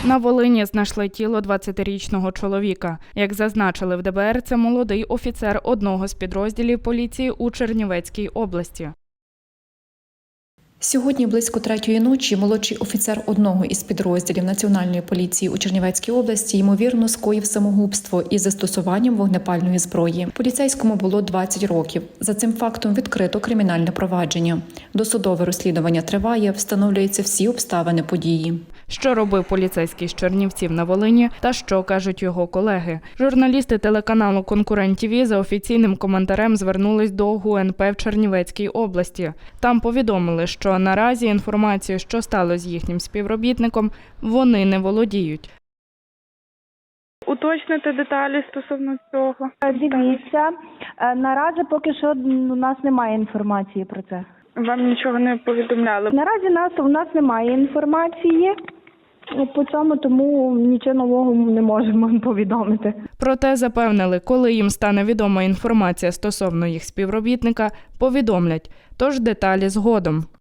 На Волині знайшли тіло 20-річного чоловіка. Як зазначили в ДБР, це молодий офіцер одного з підрозділів поліції у Чернівецькій області. Сьогодні близько 3-ї ночі молодший офіцер одного із підрозділів Національної поліції у Чернівецькій області ймовірно скоїв самогубство із застосуванням вогнепальної зброї. Поліцейському було 20 років. За цим фактом відкрито кримінальне провадження. Досудове розслідування триває, встановлюються всі обставини події. Що робив поліцейський з Чернівців на Волині та що кажуть його колеги? Журналісти телеканалу «Конкурент ТВ» за офіційним коментарем звернулись до ГУНП в Чернівецькій області. Там повідомили, що наразі інформацією, що сталося з їхнім співробітником, вони не володіють. Уточнити деталі стосовно цього. Дивіться, наразі поки що у нас немає інформації про це. Вам нічого не повідомляли? Наразі у нас немає інформації по цьому, тому нічого нового не можемо повідомити. Проте запевнили, коли їм стане відома інформація стосовно їх співробітника, повідомлять. Тож деталі згодом.